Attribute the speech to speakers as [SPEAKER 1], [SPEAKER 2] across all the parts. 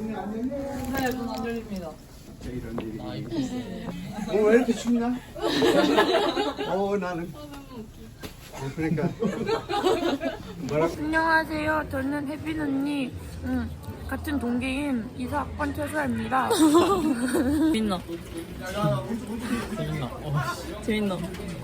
[SPEAKER 1] 네, 문 안 열립니다.
[SPEAKER 2] 이런 일이. 왜 이렇게 춥나? 나는. 그러니까. 뭐라고?
[SPEAKER 3] 안녕하세요. 저는 혜빈 언니 같은 동기인 이사학번 최수아입니다.
[SPEAKER 1] 재밌나? 재밌나?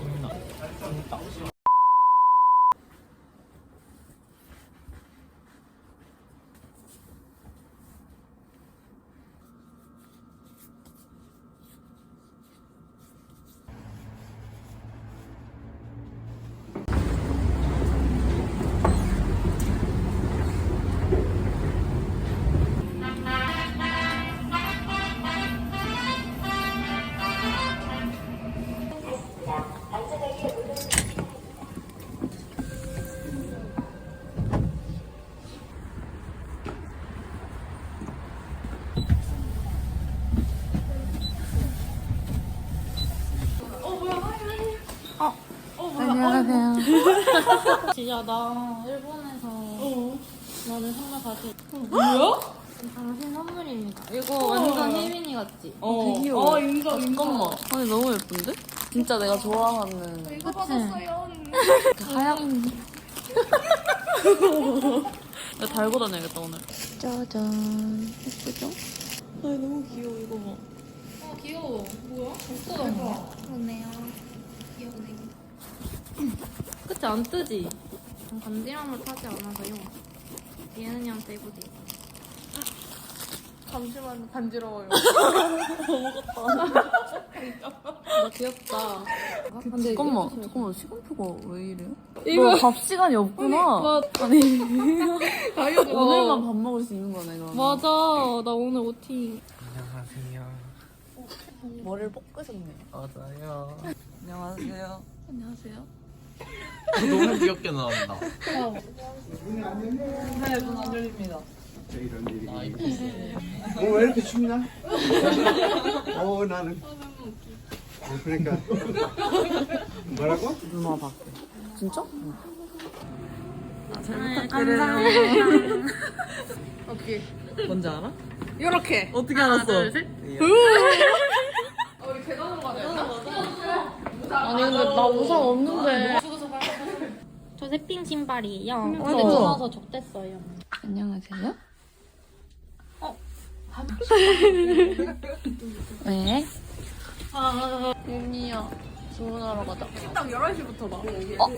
[SPEAKER 3] 안녕하세요.
[SPEAKER 4] 진짜 나 일본에서 너를 선물 가지.
[SPEAKER 1] 뭐야?
[SPEAKER 4] 당신 선물입니다. 이거 완전 혜민이 같지?
[SPEAKER 1] 되게 귀여워.
[SPEAKER 4] 인정.
[SPEAKER 1] 잠깐만. 아니 너무 예쁜데? 진짜 내가 좋아하는.
[SPEAKER 4] 이거 받았어요.
[SPEAKER 1] 하얀. 나 달고 다녀야겠다 오늘.
[SPEAKER 3] 짜잔. 예쁘죠?
[SPEAKER 1] 아니 너무 귀여워 이거 봐.
[SPEAKER 4] 귀여워. 뭐야? 예쁘다. 그러네요. 귀엽네. 그치 안 뜨지? 간지럼을 타지 않아서요. 예은이한테 입어도 돼.
[SPEAKER 1] 잠시만 간지러워요.
[SPEAKER 4] 나 귀엽다. 근데
[SPEAKER 1] 잠깐만 시간표가 왜 이래? 이거 밥 시간이 없구나. 아니 오늘만 밥 먹을 수 있는 거네 그럼.
[SPEAKER 4] 맞아. 나 오늘 OT.
[SPEAKER 2] 안녕하세요.
[SPEAKER 1] 머리를 볶으셨네.
[SPEAKER 2] 맞아요.
[SPEAKER 1] 안녕하세요.
[SPEAKER 4] 안녕하세요.
[SPEAKER 5] 너무 귀엽게 나온다.
[SPEAKER 1] 네, 문 안 열립니다.
[SPEAKER 2] 이런 일이. 왜 이렇게 춥나? 나는. 그러니까. 뭐라고?
[SPEAKER 1] 누나 밖에. 진짜?
[SPEAKER 4] 어떻게?
[SPEAKER 1] 뭔지 알아?
[SPEAKER 4] 이렇게.
[SPEAKER 1] 어떻게 알았어?
[SPEAKER 4] 둘, 셋. 아니 근데 나 우산 없는데. 저 새핑 신발이에요. 근데
[SPEAKER 1] 우와.
[SPEAKER 4] 전화서 적댔어요.
[SPEAKER 3] 안녕하세요.
[SPEAKER 1] 왜?
[SPEAKER 4] 윤이야. 주문하러 가자.
[SPEAKER 1] 딱 11시부터 봐.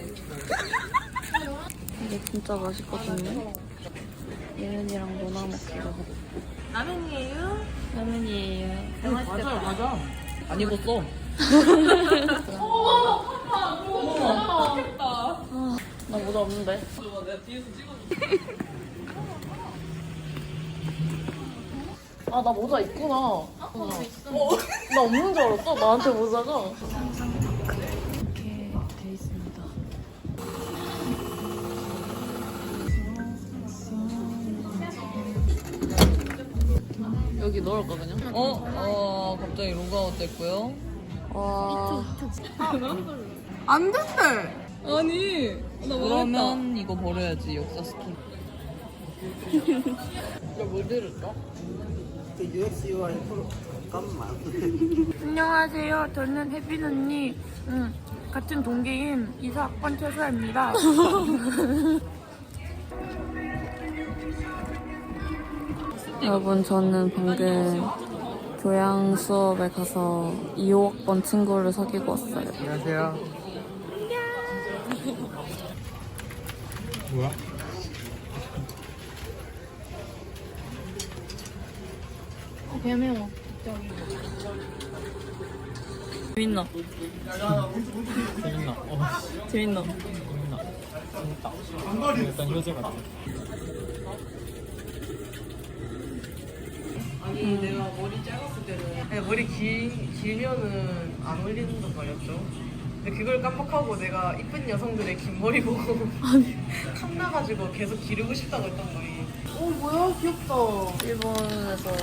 [SPEAKER 3] 이게 진짜 맛있거든요. 예은이랑 노나 먹기로.
[SPEAKER 1] 라면이에요?
[SPEAKER 4] 라면이에요.
[SPEAKER 1] 맞아. 안 익었어.
[SPEAKER 4] 나 모자 없는데.
[SPEAKER 1] 내가 뒤에서 찍어줄게.
[SPEAKER 4] 아, 나 모자 있구나. 나 없는 줄 알았어. 나한테 모자가.
[SPEAKER 3] 이렇게 돼 있습니다.
[SPEAKER 1] 여기 넣을까 그냥? 갑자기 로그아웃 됐고요.
[SPEAKER 3] 와.
[SPEAKER 1] 안 된대. 아니. 그러면 이거 버려야지 역사 스킨. 뭘 들을까?
[SPEAKER 3] 안녕하세요. 저는 혜빈 언니 같은 동기인 이사학번 최수아입니다. 여러분 저는 방금 교양 수업에 가서 2호학번 친구를 사귀고 왔어요.
[SPEAKER 2] 안녕하세요. 뭐야?
[SPEAKER 4] 개 매워.
[SPEAKER 1] 재밌나?
[SPEAKER 5] 재밌나?
[SPEAKER 1] 재밌나?
[SPEAKER 5] 재밌다. 일단 효재 같아.
[SPEAKER 6] 아니 내가 머리 짧았을 때는 아니, 머리 길면은 안 어울리는단 말이었죠. 근데 그걸 깜빡하고 내가 이쁜 여성들의 긴 머리 보고 탐나가지고 계속 기르고 싶다고 했던 거예요.
[SPEAKER 1] 뭐야 귀엽다. 일본에서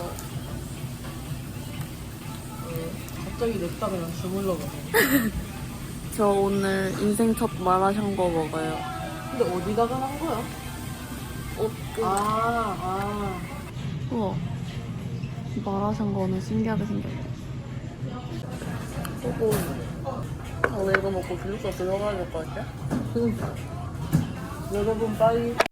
[SPEAKER 6] 갑자기 냅다 그냥 주물러 가네.
[SPEAKER 3] 저 오늘 인생 첫 마라샹궈 먹어요.
[SPEAKER 6] 근데 어디다가 한 거야?
[SPEAKER 3] 옷
[SPEAKER 6] 아.
[SPEAKER 3] 우와. 마라샹궈는 신기하게 생겼네.
[SPEAKER 4] 오늘 이거 먹고 기숙사 들어가야 될 것 같아? 여러분 빠이.